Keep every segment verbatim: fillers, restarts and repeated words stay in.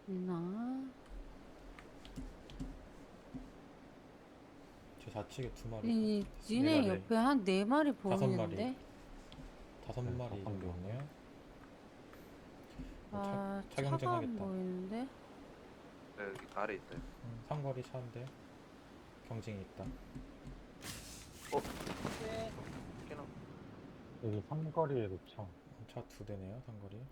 있나? 제 좌측에 두 마리. 이 네 니네 마리. 옆에 한 네 마리 다섯 마리. 보이는데? 다섯 네, 마리 다섯 정도 마리. 있네요. 아, 차, 차가 안 차경쟁하겠다. 보이는데? 네, 여기 아래 있어요. 음, 상거리 차인데 경쟁이 있다. 어? 꽤나. 여기 삼거리에도 차. 차 두 대네요, 상거리.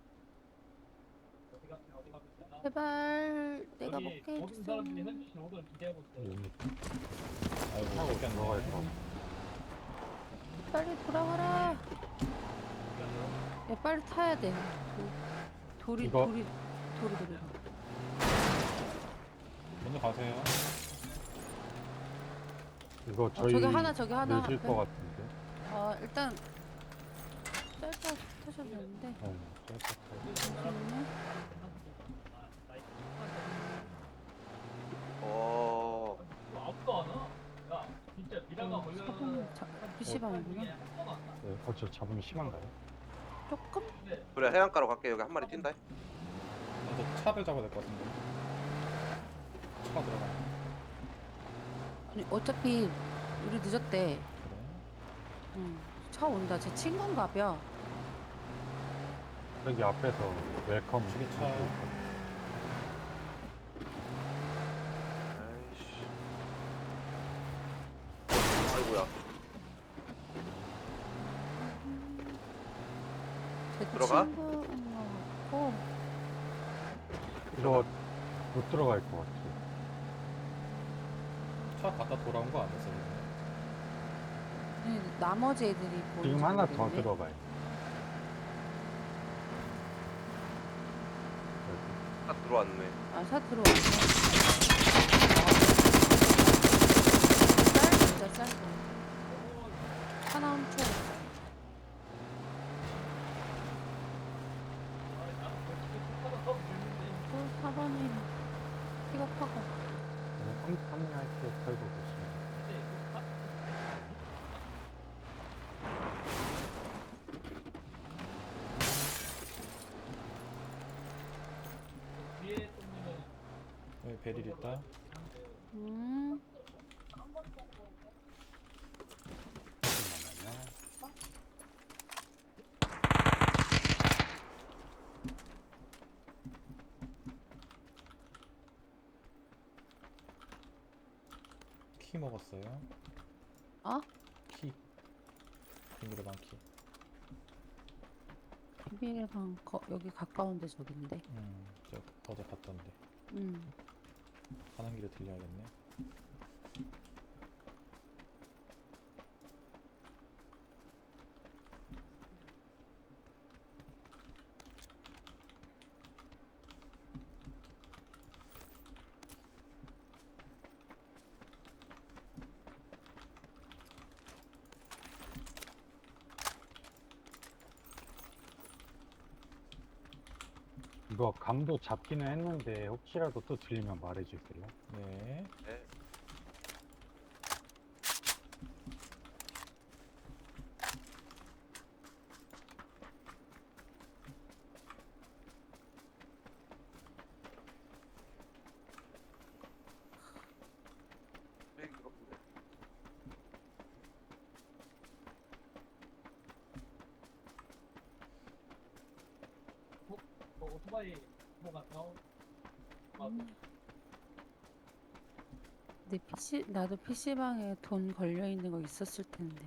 제발 내가 여기 먹게 모든 사람들이 해주세요. 현지 오더를 기대하고 있어요. 여기 아이고, 차고 뺏겼네. 들어가 있어. 빨리 돌아와라. 야, 빨리 타야 돼. 도, 돌이 이거- 돌이 돌이 돌이. 먼저 가세요. 이거 저희 저기 하나, 저기 하나 내실 앞에. 것 같은데. 아, 일단 짧게 타셔도 되는데. 네, 짧게 타고. 잠시만요. 어, 아무도 안 와. 야, 진짜 미라가 어, 걸려는 사방 피시방이구나. 네, 어, 저 잡음이 심한가요? 조금? 그래 해안가로 갈게. 여기 한 마리 뛴다. 먼저 차를 잡아야 될 것 같은데. 차가 들어가. 아니 어차피 우리 늦었대. 그래. 응. 차 온다. 제 친구인가벼. 여기 앞에서 웰컴. 저기 차. 아이씨. 아이고야. 제 들어가? 친구인 것 같고. 이거 못 들어갈 것 같아. 차 갔다 돌아온 거 아니었어, 지금? 아니, 나머지 애들이 보이지 지금 하나 더 모르겠네. 들어가요. 딱 들어왔네. 아, 차 들어왔네. 짧다, 짧다. 하나 훔쳐. 또 사 번이 픽업하고. 삼삼할때 털고 계시면. 뒤에 똥님은 여기 베릴 있다. 음, 잠깐만요. 키 먹었어요. 어? 키. 비밀의 키. 비밀의 방, 거, 여기 가까운데 저긴데. 음, 저 어제 봤던데. 음. 가는 길에 들려야겠네. 이거 감도 잡기는 했는데 혹시라도 또 들리면 말해주세요. 네. 네. 여기 그렇군데. 뭐 오토바이 뭐가 나오. 음. 내 피씨, 나도 피씨방에 돈 걸려있는 거 있었을 텐데.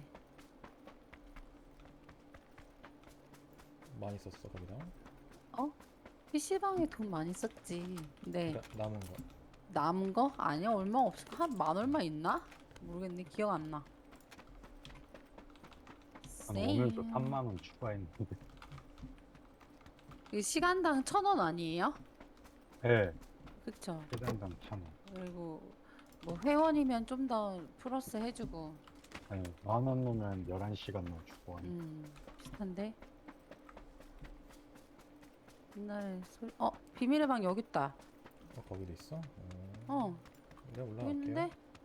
많이 썼어, 거기다. 어? 피씨방에 돈 많이 썼지. 근데 나, 남은 거. 남은 거? 아니야, 얼마 없어. 한 만 얼마 있나? 모르겠네. 기억 안 나. 아, 오늘도 삼만 원 추가했는데. 그 시간당 천 원 아니에요? 네, 그쵸? 세단당 천 원. 그리고 뭐 회원이면 좀 더 플러스 해주고. 아니, 만 원 넣으면 열한 시간 넣어주고. 하니까. 음, 비슷한데? 옛날에 술, 어, 비밀의 방 여기 있다. 어, 거기도 있어? 어. 어, 내가 여기 올라갈게요. 있는데?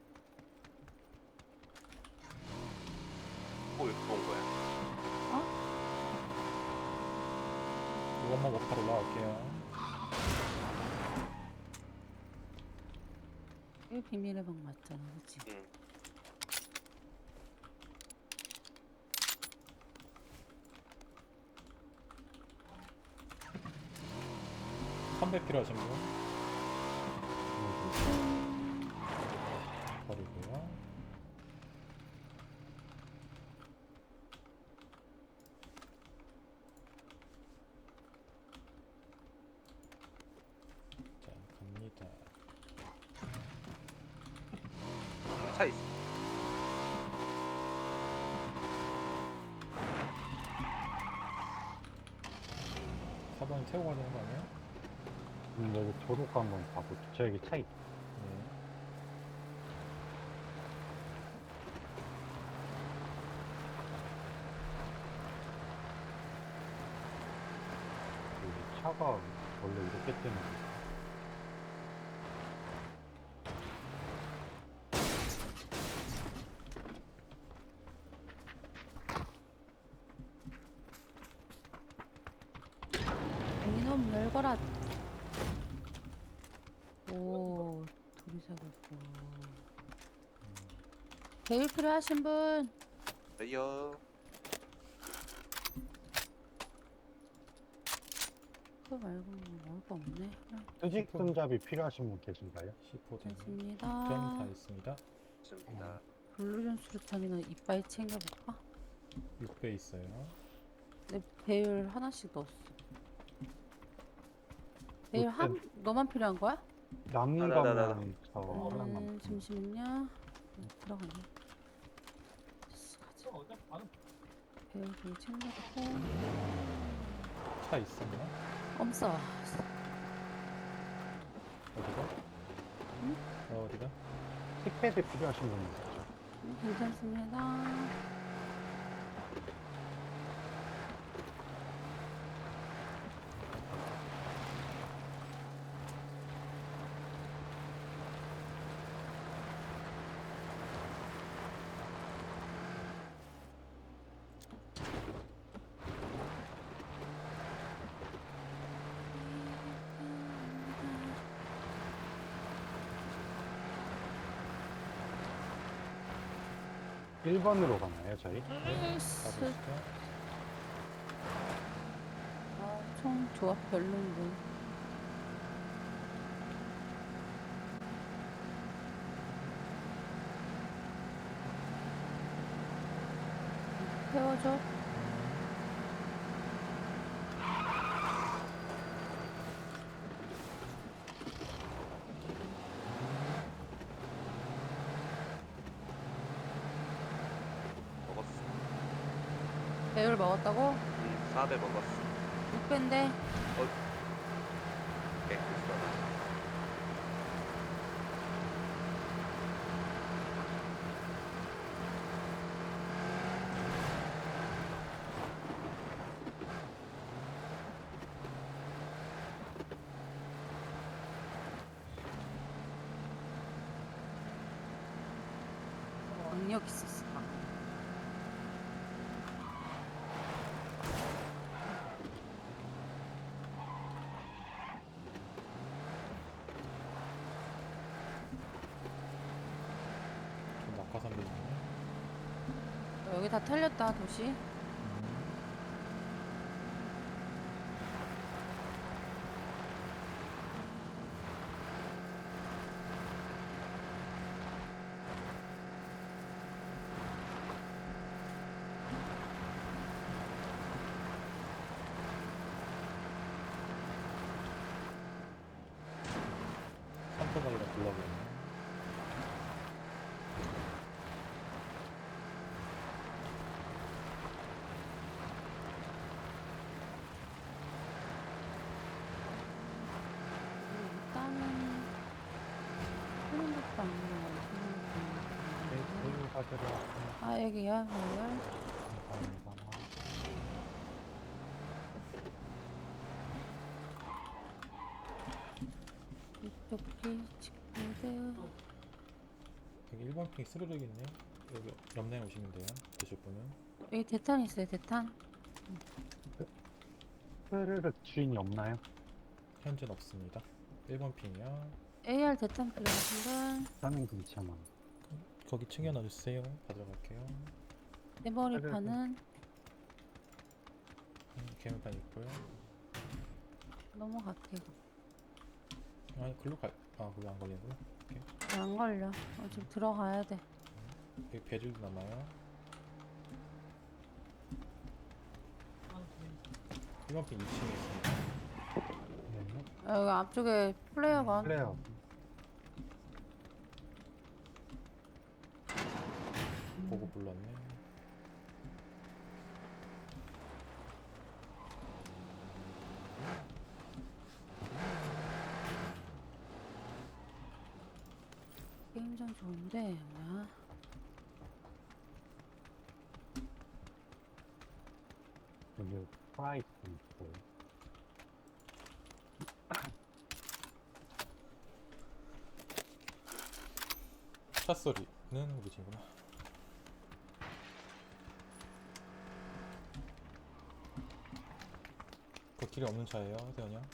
뭐 이렇게 온 거야? 이것만 먹고 바로 올라갈게요. 이거 비밀의 방 맞잖아, 그치? 응. 삼백 필요하신 분? 버리고요. 자, 갑니다. 차 있어. 사 번이 태우고 가야 되는 거 아니에요? 음, 여기 도로가 한번 봐볼게. 저 여기 차 있. 네. 여기 차가 원래 이렇게 뜨는 거. 이놈 열거라. 오, 둘이 사겠고. 배율 필요하신 분? 레이어. 그거 말고 뭐 먹을 거 없네. 수직 손잡이 필요하신 분 계신가요? 시포 등. 편 다 괜찮습니다. 있습니다. 있습니다. 블루전 수류탄이나 이빨 챙겨볼까? 육 배 있어요. 내 배율 하나씩 넣었어. 배율 한 너만 필요한 거야? 남는 아, 나, 나, 나, 나. 거면 저 하나만. 음, 잠시만요. 음, 들어가네. 됐어, 가자. 또 어차피 바로 배율 좀 챙겨놓고. 차 있었나? 엄써. 어디가? 응? 어, 어디가? 틱패드 필요하신 분 있죠? 음, 괜찮습니다. 일 번으로 가나요, 저희? 으이씨. 가보시죠. 아, 총 조합 별론데. 태워줘. 먹었어. 배율 먹었다고? 응, 사 배 먹었어. 육 배인데. 오케이, 됐어. 악력 있었어. 좀 낙하산 되네. 여기 다 털렸다, 도시. 산토박이라 불러버렸네. 일단은 하는 것도 아니고 네, 배율 가지러 왔습니다. 아 여기야 배율. 감사합니다. 이쪽 피 친구들. 여기 일 번 핑 스르륵 있네. 여기 옆라인 오시면 돼요. 드실 분은. 여기 대탄 있어요 대탄. 흐르륵 주인이 없나요? 현재는 없습니다. 일 번 핑이요. 에이알 대탄 필요하신 분. 나는 괜찮아. 거기 챙겨 놔주세요. 받으러 갈게요. 네머리판은 음, 개물판 있고요. 넘어갈게요. 아니 글로 갈. 아 거기 안 걸리는구나. 안 걸려. 어, 지금 들어가야 돼. 여기 배줄도 남아요. 일 번 핑 이 층에 있습니다. 네. 아, 여기 앞쪽에 플레이어건. 플레이어. 보고 불렀네. 게임장 좋은데 뭐야? 여기 프라이스 있고. 차 소리는 우리 친구나. 그 길에 없는 차예요, 대현이 형.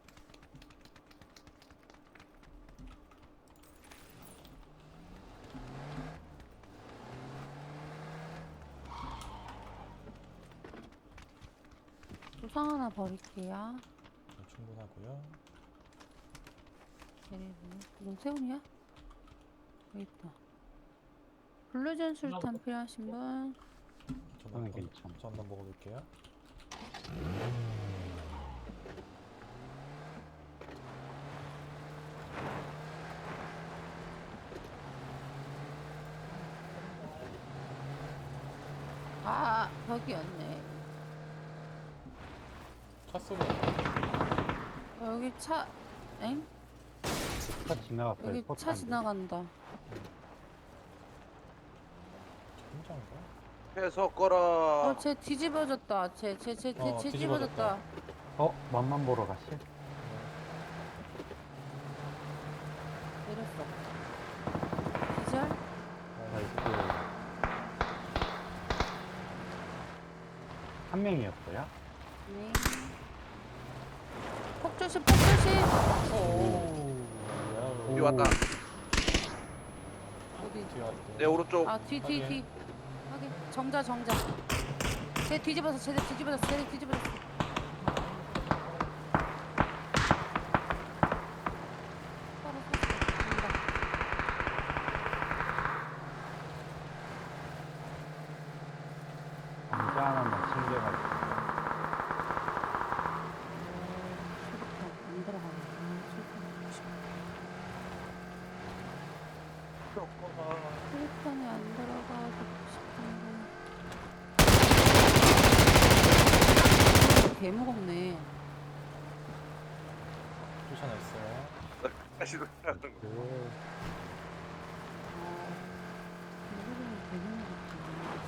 조상 하나 버릴게요. 네, 충분하고요. 얘네 뭐? 이건 세훈이야? 여기 있다. 블루전 술탄 필요하신 분? 저는 저는 한번- 괜찮아. 저 한번 먹어볼게요. 아, 거기였네. 차 소리. 어, 여기 차, 엥? 차 지나갔어요. 여기 차 포탄데. 지나간다. 혼자인가? 해서 꺼라. 어, 쟤 뒤집어졌다. 쟤, 쟤, 쟤, 쟤, 어, 쟤 뒤집어졌다. 뒤집어졌다. 어? 맛만 보러 가실? 내렸어. 기절? 나이스. 한 명이었어요? 네. 폭조심, 폭조심! 오. 뒤 왔다. 어디? 뒤에 왔대. 내 오른쪽. 아, 뒤, 뒤, 확인. 뒤. 확인. 정자, 정자. 쟤 뒤집어서, 쟤 뒤집어졌어, 쟤 뒤집어졌어. 바로 섰어. 간다. 감자 하나만 챙겨가지고. 수류탄 안 들어가네. 아, 수류탄 먹고 싶어. 수류탄이 안 들어가고 싶은데. 개 무겁네. 쫓아냈어요. 다시 돌아가는 거. 그, 아, 이거는 되게 무겁다.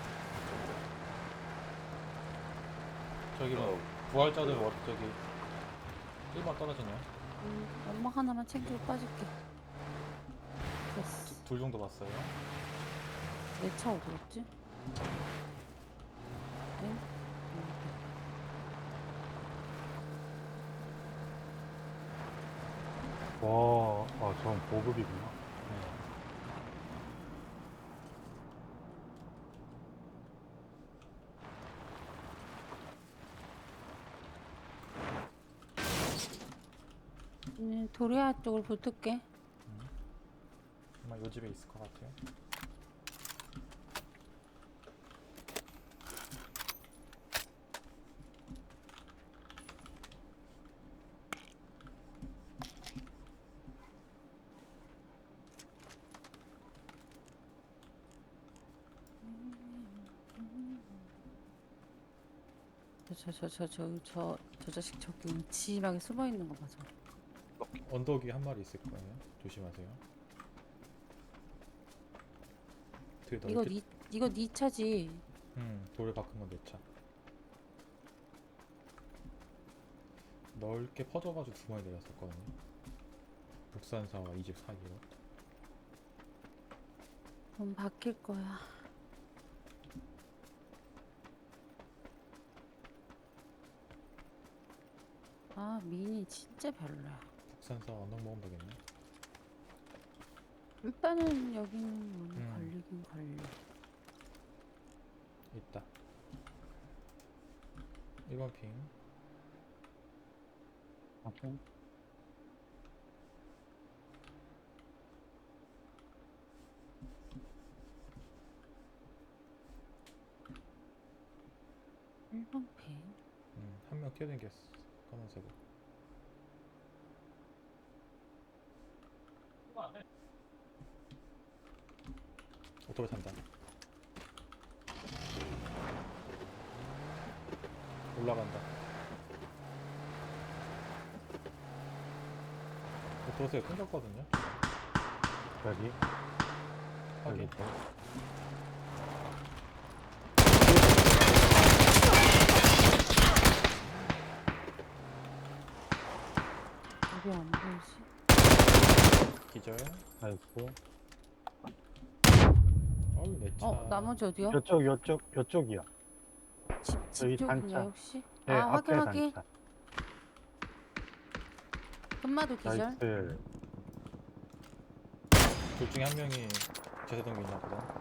저기로 어. 부활자들 워 저기 일 번 떨어지네요. 음, 연막 하나만 챙기고 빠질게. 됐어. 둘 정도 봤어요. 내 차 어디 갔지? 응? 와, 어, 전 보급이구나. 네. 음, 도리아 쪽으로 붙을게. 아마 요 집에 있을 것 같아요. 저 저 저 저 저 저 자식 저기 음침하게 숨어 있는 거 봐서. 언덕 위에 한 마리 있을 거예요. 조심하세요. 되게 이거 넓게 니 이거 니 차지. 음, 돌을 바꾼 건 내 차. 넓게 퍼져가지고 두 마리 내렸었거든요. 북산사와 이 집 사이로. 돈 바뀔 거야. 아, 미니 진짜 별로야. 북산사 언덕 먹으면 되겠네. 일단은 여기는 문 음. 걸리긴 걸려. 있다. 일 번 핑. 확인. 일 번 핑. 음, 한 명 뛰어댕겼어. 검은색으로. 그거 안 해. 오토바이 탄다. 올라간다. 오토바이가 끊겼거든요. 여기. 확인. 여기. 여기 안 보이지? 기절. 나이스. 어우, 내 차. 어, 나머지 어디요? 요쪽, 요쪽, 요쪽이야. 집, 여기 집 쪽인가요 단차. 혹시? 네, 아, 앞에 확인 확인. 단차. 금마도 기절. 나이스. 둘 중에 한 명이 제사동기 있나 보다.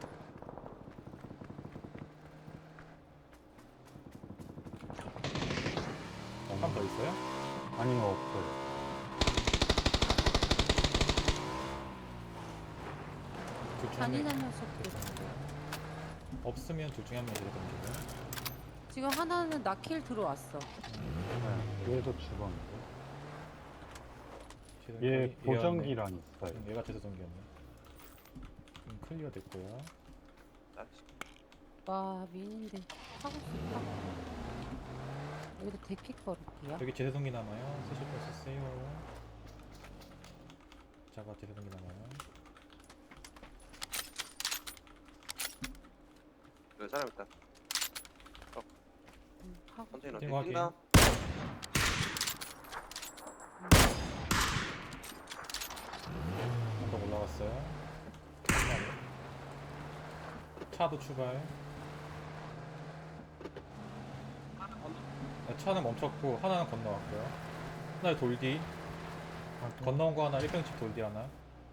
한 번 더 있어요? 아니면 없어요. 둘 중에 한 명이 잔인한 녀석들. 없으면 둘 중에 한 명이 제사동기고요. 지금 하나는 나킬 들어왔어. 네, 얘도 죽었는데. 제사동기 얘 얘였네. 보정기랑 있어요. 응, 얘가 제사동기였네. 음, 클리어 됐고요. 나이스. 와, 미인인데 하고 싶다. 여기도 데킥 걸을게요. 여기 제사동기 남아요. 쓰실 거 쓰세요. 자가 제사동기 남아요. 여기 사람 있다. 음, 하고 컨테이너 띵 확인. 뛴다. 언덕 올라갔어요. 차도 출발. 네, 차는 멈췄고 하나는 건너왔고요. 하나 돌뒤. 건너온 거 하나 일 평집 돌뒤 하나.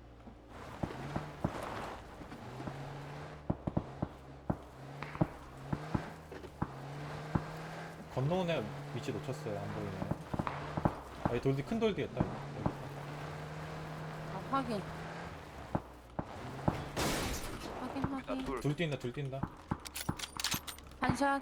건너온 애 위치 놓쳤어요. 안 보이네요. 아, 이 돌뒤 큰 돌뒤였다. 여기. 아, 확인. 확인 나 확인. 둘. 둘 뛴다. 둘 뛴다. 한샷.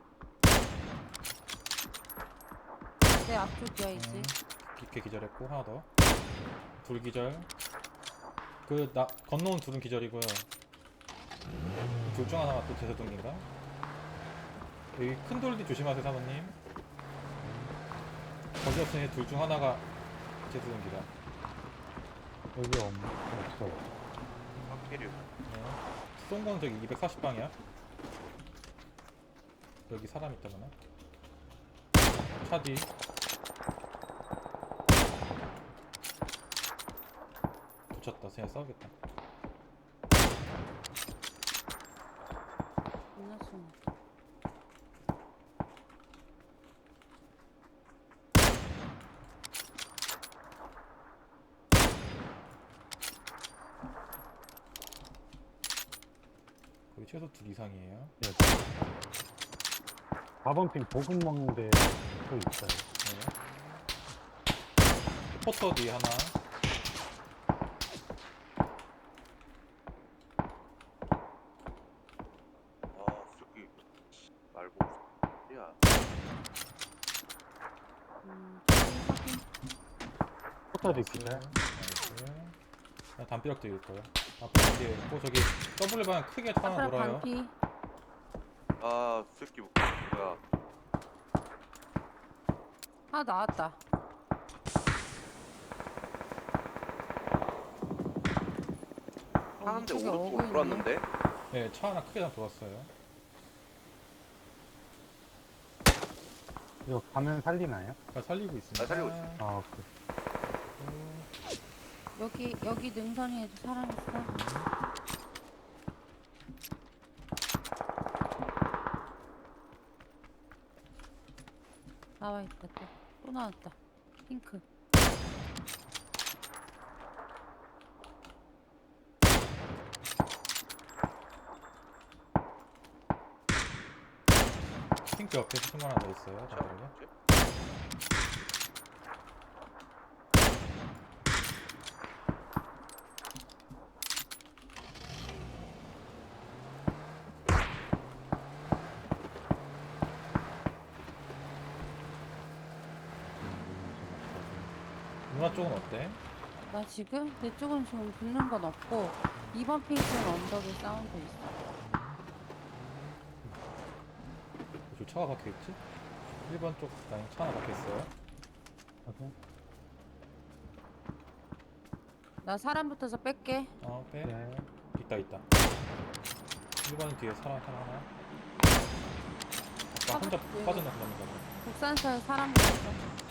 내 앞쪽이야 이제. 음, 깊게 기절했고 하나 더. 둘 기절. 그 나 건너온 둘은 기절이고요. 둘 중 하나가 또 제사동기인가? 여기 큰 돌뒤 조심하세요 사모님. 거기 없으니 둘 중 하나가 제사동기다. 여기 없, 없어요. 확실히. 네. 쏜 건 저기 이백사십 방이야. 여기 사람 있다거나. 차 뒤. 붙였다. 그냥 싸우겠다. 끝났어. 거기 최소 둘 이상이에요. 여기. 사 번 핑 보급 먹는데 또 있어요. 네. 포터 뒤 하나. 아, 저기 말고. 야, 음, 확인. 포터도 있기네. 나이스. 아, 담벼락도 있을 거예요. 앞에 뒤에 있고 저기 더블 방 크게 차 하나 아까 돌아요. 반피. 아, 새끼 뭐야? 아 나왔다. 어, 하는데 이쪽에 오른쪽으로 어구 있네. 돌았는데? 네, 차 하나 크게 다 돌았어요. 이거 가면 살리나요? 그러니까 살리고 있습니다. 아, 살리고 있어요. 아, 오케이. 여기 여기 능선이에도 사람 있어. 나와 있다 또. 또 나왔다. 핑크. 학교 옆에 친구 하나 더 있어요. 자, 잠깐만요. 이제. 누나 쪽은 어때? 나 지금 내 쪽은 지금 붙는 건 없고 이 번 핑크는 언덕에 사운드 있어. 저 차가 박혀있지? 일 번 쪽 라인 차 하나 박혀있어요. 확인. 나 사람 붙어서 뺄게. 어, 빼. 네. 있다, 있다. 일 번 뒤에 사람 하나 하나. 아까 혼자 아, 빠져나간다거 국산차에 사람 붙었어.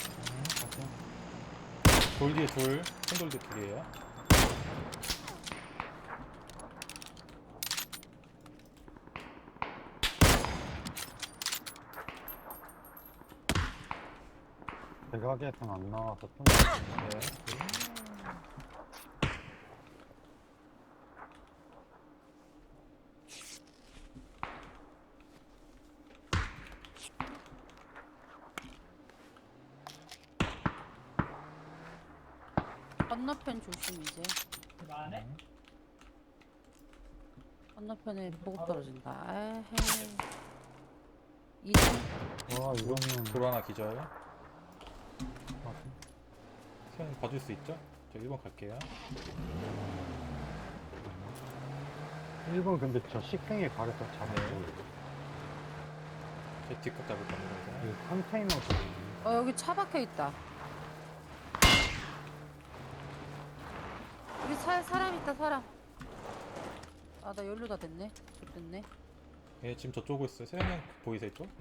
돌 뒤에 돌, 큰 돌 뒤에 둘이에요. 대각에선 안 나와서 좀 네. 건너편 조심 이제. 안 해? 음. 건너편에 보급 떨어진다. 에헤이. 이등 와 이거는 돌 하나 기절. 세연 봐줄 수 있죠? 저 일 번 갈게요. 일 번 근데 저 식생에 가려서 잡고 네. 제 뒷각 잡을 겁니다. 이제. 이 컨테이너도 있네. 어 여기 차 박혀 있다. 여기 차에 사람 있다 사람. 아 나 연료 다 됐네. 됐네. 예, 지금 저쪽으로 있어요. 세연 형 보이세요 이쪽?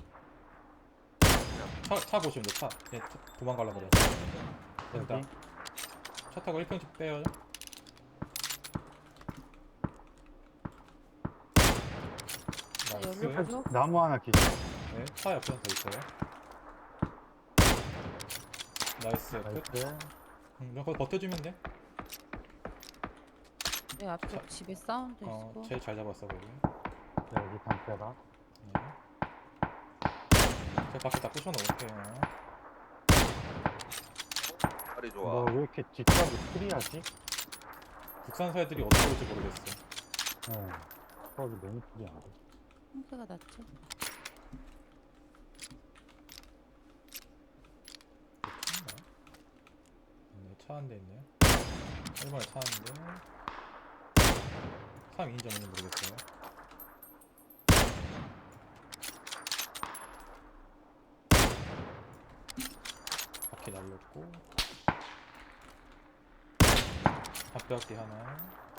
차, 차 보시면 돼. 차. 예, 차 도망가려고 그래. 됐다. 여기 차 타고 일 평씩 빼요. 나 연료 나이스. 부족. 나무 하나 기절. 네, 차 옆에 더 있어요. 나이스. 끝. 나이스. 응, 너 거기 버텨주면 돼. 내 앞쪽 집에 사운드 어, 있고. 제일 잘 잡았어 거기. 네, 여기 담벼락. 네. 제가 밖에 다 부셔놓을게요. 다리 너 좋아. 왜 이렇게 뒷각이 프리하지? 국산사 애들이 어떻게 올지 모르겠어. 네. 뒷각이 너무 프리한데. 형태가 낫지. 네, 차 한 대 있네요. 일 번에 차 한 대. 삼 인지 없는지 모르겠어요. 바퀴 날렸고. 앞바퀴 하나.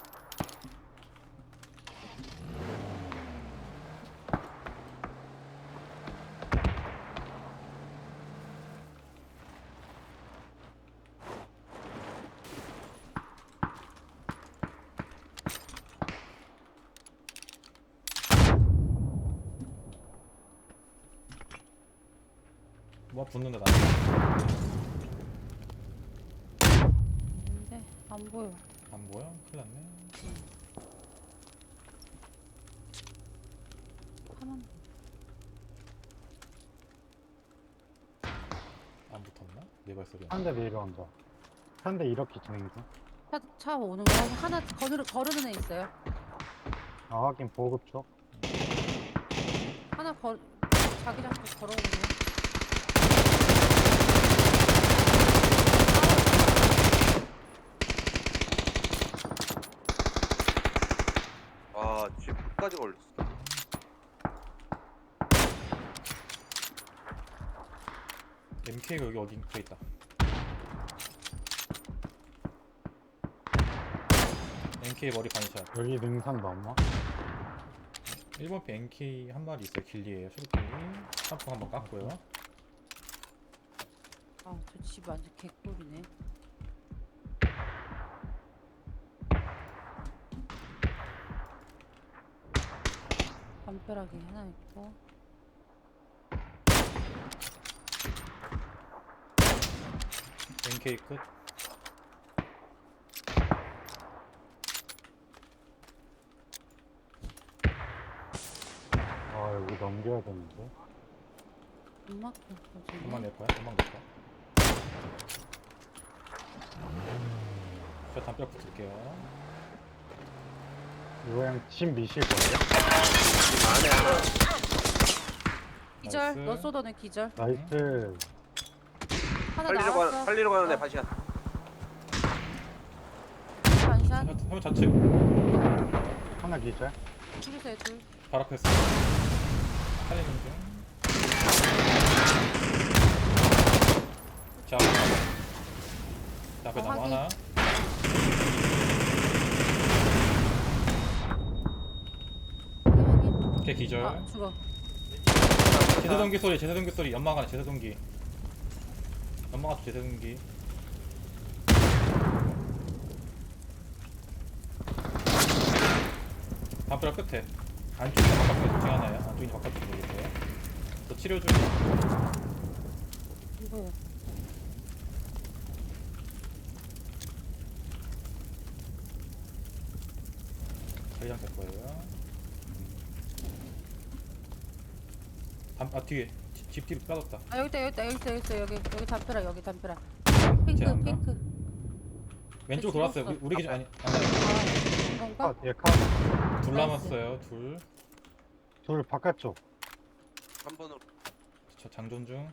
뭐 붙는다 나. 근데 안 보여. 안 보여? 큰일 났네. 하면 안 붙었나? 내 발소리. 한 대 내려온다. 한 대 이렇게 진행 중. 차, 차 오는 거 하나 거르, 거르는 애 있어요. 아 확인 보급 쪽. 하나 거 자기장 쪽 걸어오네. 아, 집 끝까지 걸렸어. 엠케이가 여기 어디 붙어 있다. 엠케이 머리 반샷. 여기 능선 넘어. 일 번 피 엠케이 한 마리 있어요. 길리에요. 쇼길리. 샴푸 한번 깎고요. 아 저 집 완전 개꿀이네. 담벼락이 하나 있고. 엠케이 끝. 아 여기 넘겨야 되는데. 음악 금방 낼 거야? 금방 낼 거야? 저 담벼락 붙을게요. 이거 그냥 집 미실 거예요? 안에 하나. 기절. 나이스. 너 쏘더는 기절. 나이스. 하나 살리러 가 나왔어. 살리러 가는데 어. 반샷. 반샷. 화면 좌측. 하나 기절. 둘이세요 둘. 발 앞에 있어. 살리는 중. 자, 자 앞에 어, 나무 확인. 하나. 확인 확인. 걔 기절. 아 죽어. 제세동기 소리, 제세동기 소리. 연막 안에 제세동기. 연막 앞 제세동기. 담벼락 끝에. 안쪽이나 바깥쪽에 둘 중에 하나야. 안쪽이나 바깥쪽에 모르겠어요. 저 치료 중. 이거요. 자기장 될 거예요. 담, 아 뒤에 집, 집 뒤로 빠졌다. 아 여기 있다 여기 있다 여기 있다 여기 있다 여기 여기 담벼락 여기 담벼락. 쟤 핑크 안 가? 핑크. 왼쪽 쟤 돌았어요. 죽었어. 우리, 우리 기준 아니, 아니 아 이건가? 컷, 얘 컷. 둘 나이스. 남았어요. 둘. 둘 바깥쪽. 한 번으로. 저 장전 중.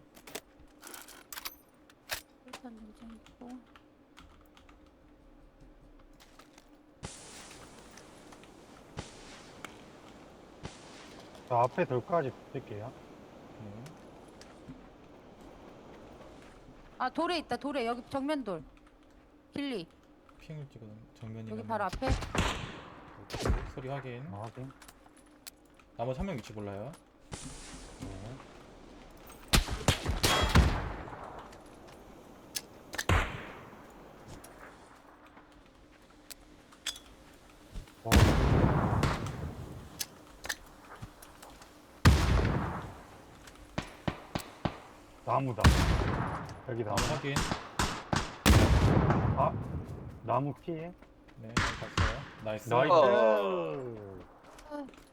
일단 문제 있고. 저 앞에 돌까지 붙을게요. 네. 아 돌에 있다 돌에 여기 정면 돌. 길리 핑을 찍어 정면이면 여기 바로 앞에. 소리 확인. 아, 확인. 나머지 한 명 위치 몰라요. 네. 어, 나무다. 여기 나무. 나무 확인. 아, 나무 피해? 네, 봤어요. 나이스. 나이스. 어. 아,